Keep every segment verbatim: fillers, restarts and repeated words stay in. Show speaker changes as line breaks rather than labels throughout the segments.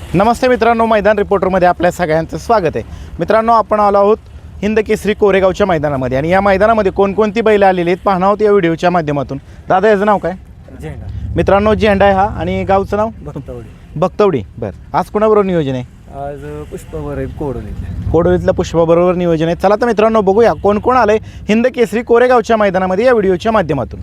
नमस्ते मित्रांनो, मैदान रिपोर्टरमध्ये आपल्या सगळ्यांचं स्वागत आहे. मित्रांनो, आपण आलो आहोत हिंद केसरी कोरेगावच्या मैदानामध्ये आणि या मैदानामध्ये कोणकोणती बैल आलेली आहेत पाहणार आहोत या व्हिडिओच्या माध्यमातून. दादा, याचं नाव काय?
झेंडा.
मित्रांनो, झेंडा आहे हा. आणि गावचं नाव?
भक्तवडी.
भक्तवडी. बरं, आज कोणाबरोबर नियोजन आहे?
आज पुष्पावर आहे कोडोलीत.
कोडोलीतल्या पुष्पाबरोबर नियोजन आहे. चला तर मित्रांनो, बघूया कोण कोण आलंय हिंद केसरी कोरेगावच्या मैदानामध्ये या व्हिडिओच्या माध्यमातून.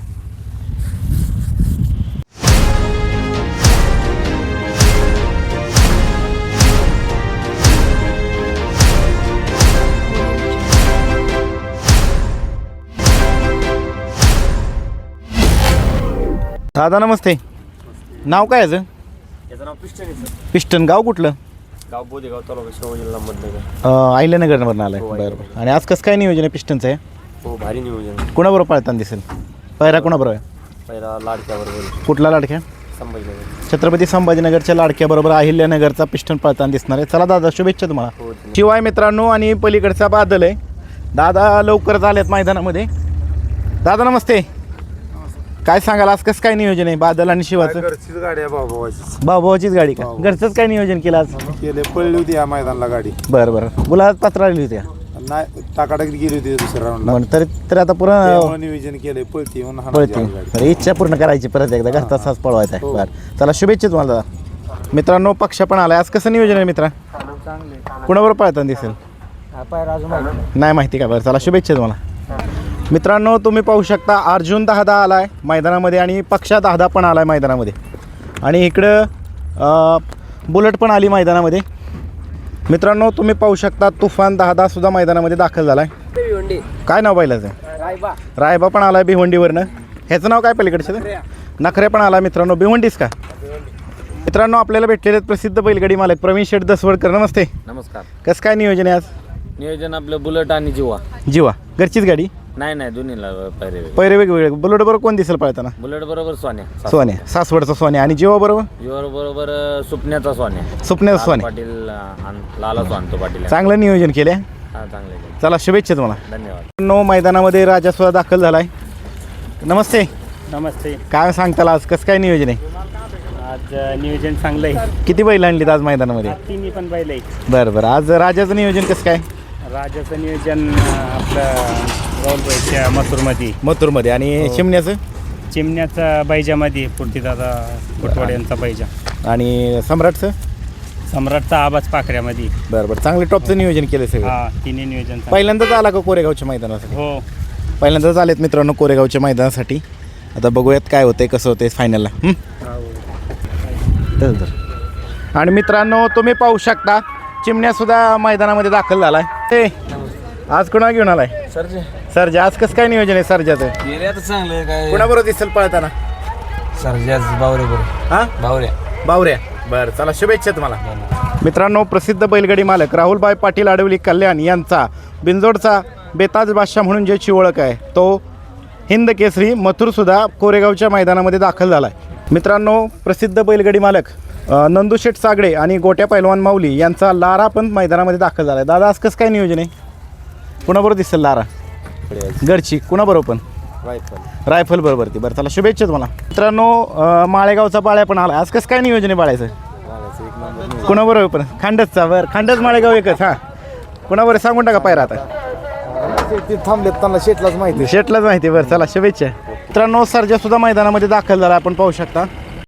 दादा नमस्ते. नाव काय याचं?
याचं नाव पिस्टन आहे सर.
पिस्टन. गाव कुठलं?
गाव बोदेगाव तालुका श्रीराम जिल्हा अहमदनगर.
आहिल्यानगरवरून आलं आहे.
हो,
बरं बरं. आणि आज कसं काय नियोजन आहे पिस्टनचं आहे?
हो, भारी नियोजन.
कोणाबरोबर पाळताना दिसेल? पहिरा कोणाबरोबर आहे?
पहिला लाडक्याबरोबर.
कुठला लाडक्या?
संभाजीनगर.
छत्रपती संभाजीनगरच्या लाडक्याबरोबर अहिल्यानगरचा पिस्टन पळताना दिसणार आहे. चला दादा, शुभेच्छा तुम्हाला.
हो.
शिवाय मित्रांनो, आणि पलीकडचा बादल आहे. दादा लवकरच आलेत मैदानामध्ये. दादा नमस्ते. काय सांगाल आज कसं काय नियोजन आहे बादल आणि शिवाचं?
घरचीच गाडी आहे भाऊभावाचीच.
भाऊभावाचीच गाडी का? घरचंच काय नियोजन केलं आज?
केले पळली होती या मैदानाला गाडी.
बरं बरं. गुलाबात पात्र आली होती.
नाही, टाकाटाक गेली होती दुसऱ्या राऊंडला.
म्हणून तरी तर आता पुरा
नियोजन केले पळती म्हणून हाणायची
पळते.
आली गाडी.
बरं, इच्छा पूर्ण करायची परत एकदा घरचा साज पळवायचा आहे.
हो.
बरं, चला शुभेच्छा तुम्हाला दादा. मित्रांनो, पक्ष पण आलाय. आज कसं नियोजन आहे मित्रा?
चांगले.
कुणाबरोबर पळताना दिसेल?
पायरा अजून माहिती
नाही माहिती का? बरं, चला शुभेच्छा तुम्हाला. मित्रांनो, तुम्ही पाहू शकता अर्जुन दहादा आला आहे मैदानामध्ये आणि पक्षा दहादा पण आला आहे मैदानामध्ये. आणि इकडं अ, बुलेट पण आली मैदानामध्ये. मित्रांनो, तुम्ही पाहू शकता तुफान दहादा सुद्धा मैदानामध्ये दाखल झाला आहे. काय नाव बैलाचं?
रायबा.
रायबा पण आला आहे भिवंडीवरनं. ह्याचं नाव काय पलीकडचं? नखरे पण आला. मित्रांनो, भिवंडीच का? मित्रांनो, आपल्याला भेटलेले आहेत प्रसिद्ध बैलगाडी मालक प्रवीण शेठ दसवडकर. नमस्ते.
नमस्कार.
कसं काय नियोजन आहे आज?
नियोजन आपलं बुलेट आणि जिवा.
जीवा घरचीच गाडी?
नाही नाही, दोन्हीला पैरे.
पैरे वेगवेगळे. बुलेट बरोबर कोण दिसेल पळताना?
बुलेट बरोबर सोन्या.
सोन्या, सासवडचा सोन्या. आणि जीवा बरोबर?
जिवा बरोबर सुपण्याचा सोन्या.
सुपण्याचा सोन्या.
पाटील आण- लाला सोनतो पाटील.
चांगलं नियोजन केलं.
हा, चांगले.
चला शुभेच्छा तुम्हाला.
धन्यवाद.
नो मैदानामध्ये राजा सुद्धा दाखल झालाय. नमस्ते.
नमस्ते.
काय सांगताल आज कसं काय नियोजन आहे?
आज नियोजन चांगलं आहे.
किती बैल आणलीत आज मैदानामध्ये?
तिन्ही पण बैल आहेत.
बरं बरं. आज राजाचं नियोजन कसं काय?
राजाचं नियोजन आपलं राहुलबाईच्या मथुरमध्ये,
मथुरमध्ये. आणि चिमण्याचं?
चिमण्याचा बैजामध्ये पुरतीदादा कोटवाड यांचा बैजा.
आणि सम्राटचं?
सम्राटचा आवाज पाखऱ्यामध्ये.
बरं बरं. चांगलं टॉपचं नियोजन केलं सगळं.
हा, तिन्ही नियोजन चांगलं.
पहिल्यांदाच आला का कोरेगावच्या मैदानासाठी?
हो.
पहिल्यांदाच आलेत मित्रांनो कोरेगावच्या मैदानासाठी. आता बघूयात काय होतंय कसं होतंय फायनलला. आणि मित्रांनो, तुम्ही पाहू शकता चिमण्यासुद्धा मैदानामध्ये दाखल झाला आहे. ते आज कोणा घेऊन आलाय?
सरजे.
सरजा. आज कसं काय नियोजन आहे सरजाचं?
गेले आता चांगलं काय.
कोणाबरोबर दिसेल पळताना?
सरजाच बावरे बरोबर.
हां,
बावऱ्या.
बावऱ्या. बरं, चला शुभेच्छा तुम्हाला. मित्रांनो, प्रसिद्ध बैलगाडी मालक राहुलभाई पाटील आडवली कल्याण यांचा बिंजोडचा बेताज बादशाह म्हणून ज्याची ओळख आहे तो हिंद केसरी मथुरसुद्धा कोरेगावच्या मैदानामध्ये दाखल झाला आहे. मित्रांनो, प्रसिद्ध बैलगाडी मालक नंदुशेठ सागडे आणि गोट्या पैलवान माऊली यांचा लारा पण मैदानामध्ये दाखल झाला आहे. दादा, आज कसं काय नियोजन आहे? कुणाबरोबर दिसेल लारा? घरची. कुणाबरोबर पण?
रायफल.
रायफल बरोबर ती. बरं, चला शुभेच्छा तुम्हाला. मित्रांनो, अ, माळेगावचा बाळ्या पण आला. आज कसं काय नियोजन आहे बाळ्याचं? कुणाबरोबर पण? खांडसचा. बरं, खांडस माळेगाव एकच. हां, कुणाबरोबर सांगून टाका पायरा आता.
ते थांबलेत, त्यांना शेटलाच माहिती.
शेटलाच माहिती. बरं, चला शुभेच्छा. मित्रांनो, सर्जा सुद्धा मैदानामध्ये दाखल झाला आपण पाहू शकता.